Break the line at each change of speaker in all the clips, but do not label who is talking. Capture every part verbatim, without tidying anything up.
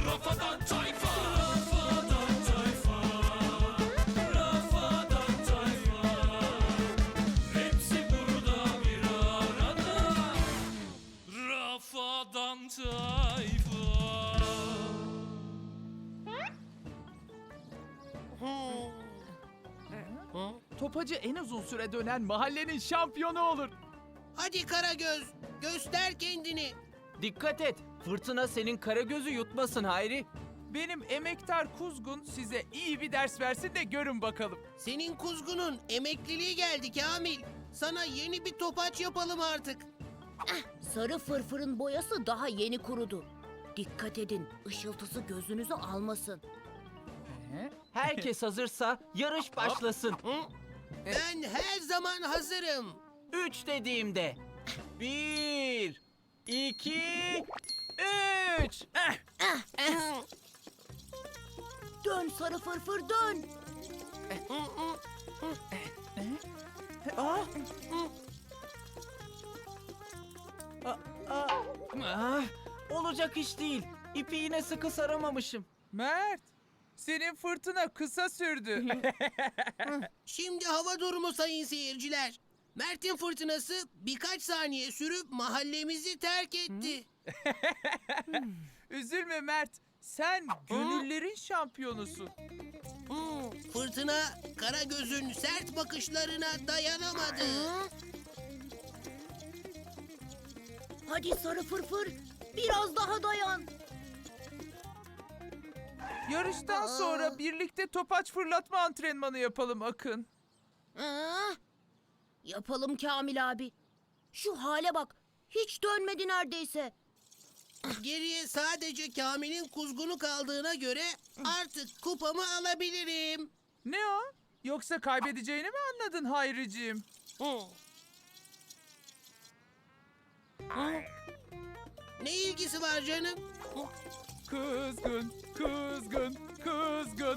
Rafadan Tayfa. Rafadan Tayfa. Rafadan Tayfa. Hepsi burada bir arada. Rafadan Tayfa.
Topacı en uzun süre dönen mahallenin şampiyonu olur.
Hadi Karagöz, göster kendini.
Dikkat et, fırtına senin Karagöz'ü yutmasın Hayri.
Benim emektar kuzgun size iyi bir ders versin de görün bakalım.
Senin kuzgunun emekliliği geldi Kamil. Sana yeni bir topaç yapalım artık.
Sarı fırfırın boyası daha yeni kurudu. Dikkat edin, ışıltısı gözünüzü almasın.
Herkes hazırsa yarış başlasın.
Ben her zaman hazırım.
Üç dediğimde. Bir, iki, üç.
Dön sarı fırfır dön.
Ah, olacak iş değil. İpi yine sıkı saramamışım.
Mert, senin fırtına kısa sürdü.
Şimdi hava durumu sayın seyirciler. Mert'in fırtınası birkaç saniye sürüp mahallemizi terk etti.
Üzülme Mert, sen gönüllerin şampiyonusun.
Hmm, Fırtına Karagöz'ün sert bakışlarına dayanamadı.
Hadi sarı fırfır, biraz daha dayan.
Yarıştan sonra birlikte topaç fırlatma antrenmanı yapalım Akın.
Aa, yapalım Kamil abi. Şu hale bak, hiç dönmedi neredeyse.
Geriye sadece Kamil'in kuzgunu kaldığına göre artık kupamı alabilirim.
Ne o? Yoksa kaybedeceğini mi anladın Hayriciğim?
Ne ilgisi var canım?
Kızgın, kızgın, kızgın.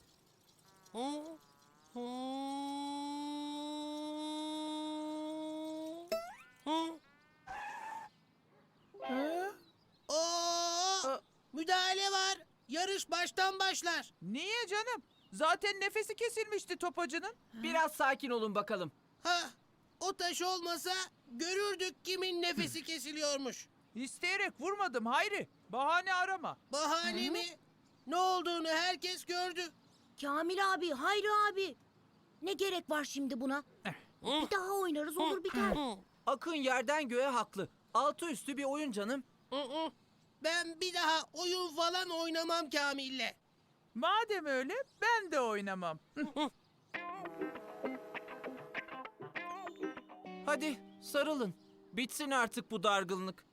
Ha?
Oo, müdahale var. Yarış baştan başlar.
Niye canım? Zaten nefesi kesilmişti topacının.
Biraz sakin olun bakalım.
Ha, o taş olmasa görürdük kimin nefesi kesiliyormuş.
İsteyerek vurmadım Hayri. Bahane arama.
Bahane mi? Ne olduğunu herkes gördü.
Kamil abi, Hayri abi. Ne gerek var şimdi buna? Bir daha oynarız olur biter.
Akın yerden göğe haklı. Altı üstü bir oyun canım.
Ben bir daha oyun falan oynamam Kamil'le.
Madem öyle ben de oynamam.
Hadi sarılın. Bitsin artık bu dargınlık.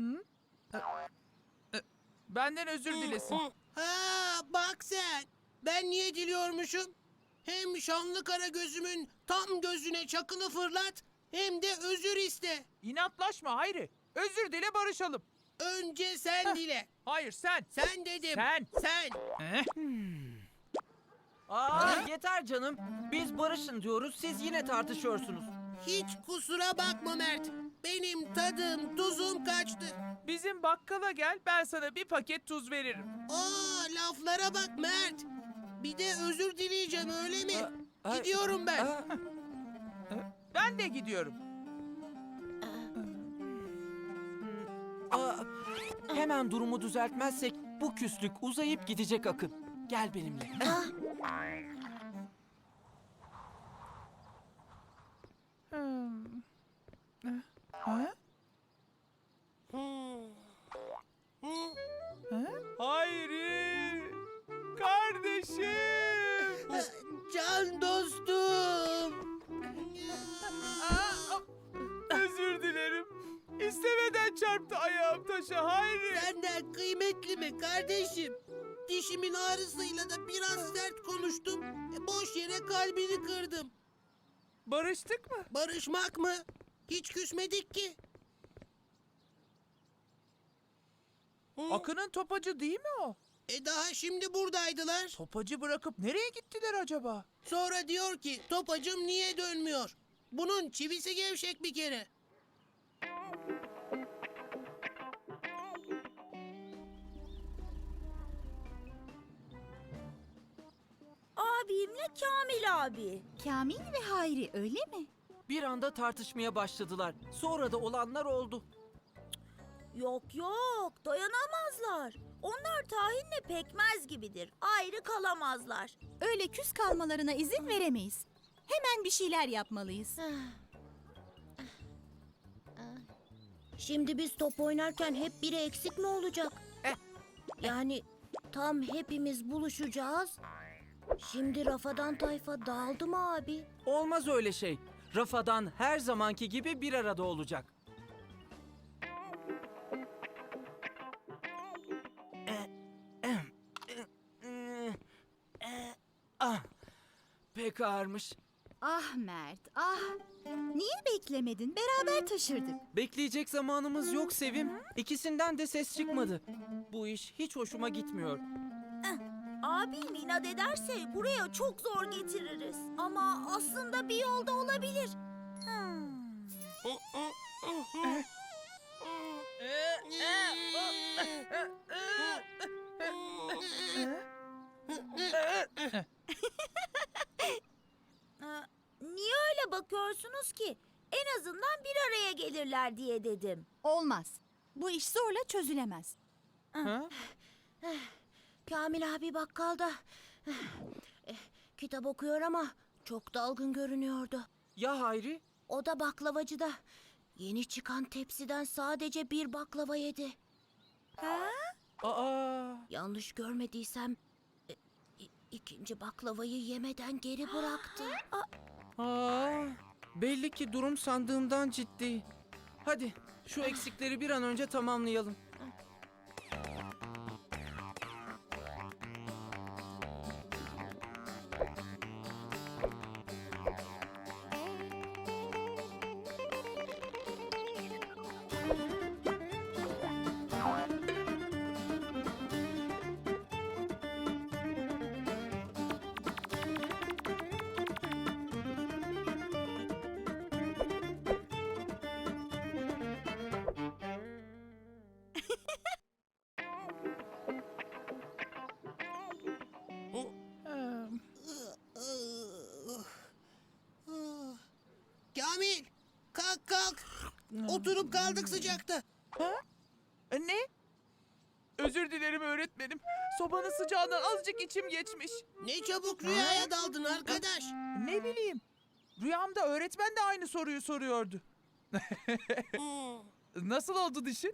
Benden özür dilesin.
Ha, bak sen. Ben niye diliyormuşum? Hem şanlı kara gözümün tam gözüne çakılı fırlat, hem de özür iste.
İnatlaşma Hayri. Özür dile barışalım.
Önce sen dile.
Hayır sen.
Sen dedim.
Sen.
Sen.
Aa, yeter canım. Biz barışın diyoruz, siz yine tartışıyorsunuz.
Hiç kusura bakma Mert. Benim tadım, tuzum kaçtı.
Bizim bakkala gel ben sana bir paket tuz veririm.
Aa, laflara bak Mert. Bir de özür dileyeceğim öyle mi?
Ay,
Gidiyorum ben.
aa,
Ben de gidiyorum.
aa, hemen durumu düzeltmezsek bu küslük uzayıp gidecek Akın. Gel benimle.
Ha? Hayri! Kardeşim!
Can dostum.
Aa, özür dilerim. İstemeden çarptı ayağım taşa Hayri.
Senden kıymetli mi kardeşim? Dişimin ağrısıyla da biraz sert konuştum. E, boş yere kalbini kırdım.
Barıştık mı?
Barışmak mı? Hiç küsmedik ki.
Akın'ın topacı değil mi o?
E daha şimdi buradaydılar.
Topacı bırakıp nereye gittiler acaba?
Sonra diyor ki topacım niye dönmüyor? Bunun çivisi gevşek bir kere.
abimle Kamil abi.
Kamil ve Hayri öyle mi?
Bir anda tartışmaya başladılar. Sonra da olanlar oldu.
Yok yok, dayanamazlar. Onlar tahinle pekmez gibidir. Ayrı kalamazlar.
Öyle küs kalmalarına izin veremeyiz. Hemen bir şeyler yapmalıyız.
Şimdi biz top oynarken hep biri eksik mi olacak? Yani tam hepimiz buluşacağız. Şimdi Rafadan tayfa dağıldı mı abi?
Olmaz öyle şey. Rafadan her zamanki gibi bir arada olacak. Ah, pek ağırmış.
Ah Mert, ah. Niye beklemedin? Beraber taşırdık.
Bekleyecek zamanımız yok Sevim. İkisinden de ses çıkmadı. Bu iş hiç hoşuma gitmiyor.
Abim inat ederse buraya çok zor getiririz. Ama aslında bir yolda olabilir. Hmm. Aa, Niye öyle bakıyorsunuz ki? En azından bir araya gelirler diye dedim.
Olmaz. Bu iş zorla çözülemez.
Ha?
Kamil abi bakkalda eh, kitap okuyor ama çok dalgın görünüyordu.
Ya Hayri?
O da baklavacıda. Yeni çıkan tepsiden sadece bir baklava yedi.
Aa,
Yanlış görmediysem e, i- ikinci baklavayı yemeden geri bıraktı. Aa,
aa, belli ki durum sandığımdan ciddi. Hadi şu eksikleri bir an önce tamamlayalım.
Kamil, kalk kalk. Oturup kaldık sıcakta.
E, Ne? Özür dilerim öğretmenim. Sobanın sıcağından azıcık içim geçmiş.
Ne çabuk rüyaya daldın arkadaş.
Ne bileyim. Rüyamda öğretmen de aynı soruyu soruyordu. Nasıl oldu dişin?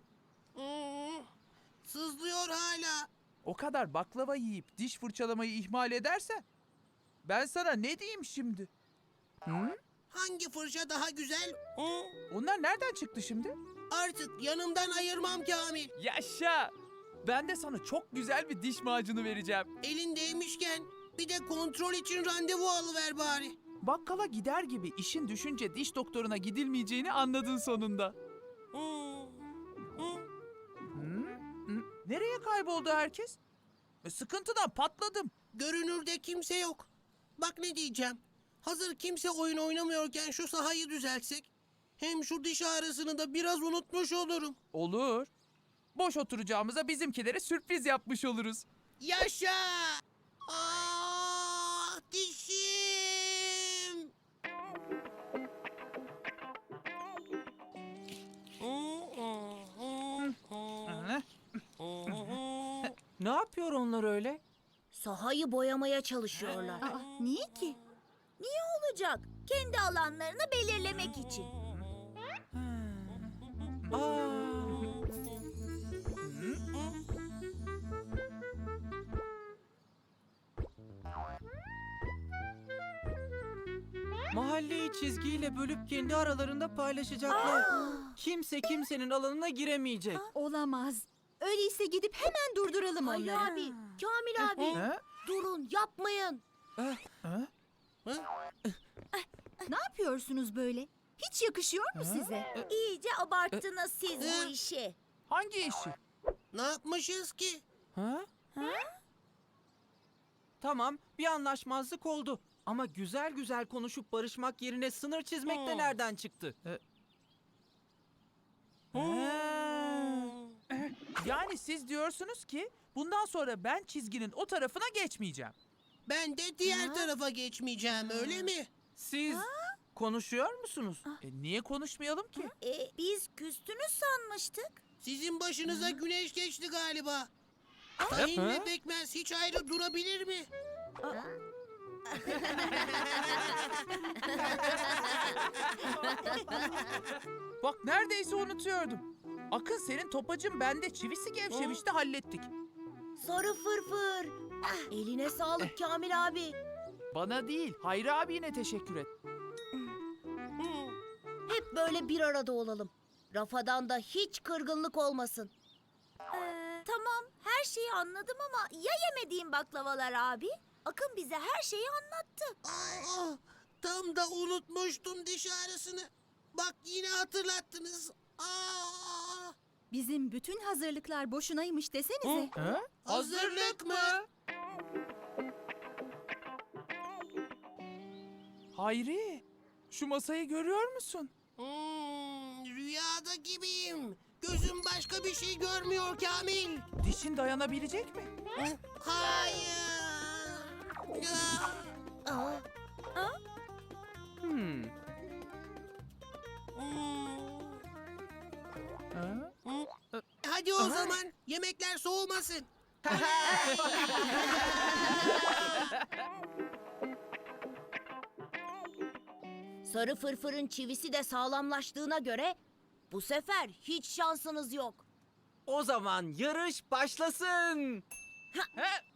Sızlıyor hala.
O kadar baklava yiyip diş fırçalamayı ihmal edersen ben sana ne diyeyim şimdi? Hı?
Hangi fırça daha güzel?
Onlar nereden çıktı şimdi?
Artık yanımdan ayırmam Kamil.
Yaşa! Ben de sana çok güzel bir diş macunu vereceğim.
Elindeymişken bir de kontrol için randevu alıver bari.
Bakkala gider gibi işin düşünce diş doktoruna gidilmeyeceğini anladın sonunda. Hı? Hı? Nereye kayboldu herkes? E, sıkıntıdan patladım.
Görünürde kimse yok. Bak ne diyeceğim. Hazır kimse oyun oynamıyorken şu sahayı düzeltsek. Hem şu diş ağrısını da biraz unutmuş olurum.
Olur. Boş oturacağımıza bizimkilere sürpriz yapmış oluruz.
Yaşa! Ah dişim!
Hı?
Ne yapıyor onlar öyle?
Sahayı boyamaya çalışıyorlar.
Aa, niye ki?
Niye olacak? Kendi alanlarını belirlemek için.
Aa. Mahalleyi çizgiyle bölüp kendi aralarında paylaşacaklar. Kimse kimsenin alanına giremeyecek.
Olamaz. Öyleyse gidip hemen durduralım
Hayır
onları.
abi, Kamil abi.
He?
Durun, yapmayın.
Hı?
Ne yapıyorsunuz böyle? Hiç yakışıyor mu size?
İyice abarttınız siz bu işi.
Hangi işi?
Ne yapmışız ki?
Ha? Tamam, bir anlaşmazlık oldu. Ama güzel güzel konuşup barışmak yerine sınır çizmek de nereden çıktı?
Yani siz diyorsunuz ki bundan sonra ben çizginin o tarafına geçmeyeceğim.
Ben de diğer
Ha?
tarafa geçmeyeceğim, öyle mi?
Siz konuşuyor musunuz?
E, niye konuşmayalım ki?
E, biz küstünüz sanmıştık.
Sizin başınıza güneş geçti galiba. Tahin ve pekmez hiç ayrı durabilir mi?
Bak neredeyse unutuyordum. Akın senin topacın bende çivisi gevşemişti hallettik.
Sarı fırfır. Eline sağlık Kamil abi.
Bana değil Hayri abine teşekkür et.
Hep böyle bir arada olalım. Rafadan da hiç kırgınlık olmasın.
Ee, tamam, her şeyi anladım ama ya yemediğim baklavalar abi? Akın bize her şeyi anlattı.
Aa, tam da unutmuştum diş ağrısını. Bak yine hatırlattınız. Aa,
Bizim bütün hazırlıklar boşunaymış desenize.
Ha?
hazırlık mı?
Hayri, şu masayı görüyor musun?
Hmm, rüyada gibiyim. Gözüm başka bir şey görmüyor Kamil.
Dişin dayanabilecek mi?
Hayır. Ah,
Aa,
Hmm.
hmm.
Ha?
Hadi o zaman yemekler soğumasın.
sarı fırfırın çivisi de sağlamlaştığına göre bu sefer hiç şansınız yok.
O zaman yarış başlasın.
Ha?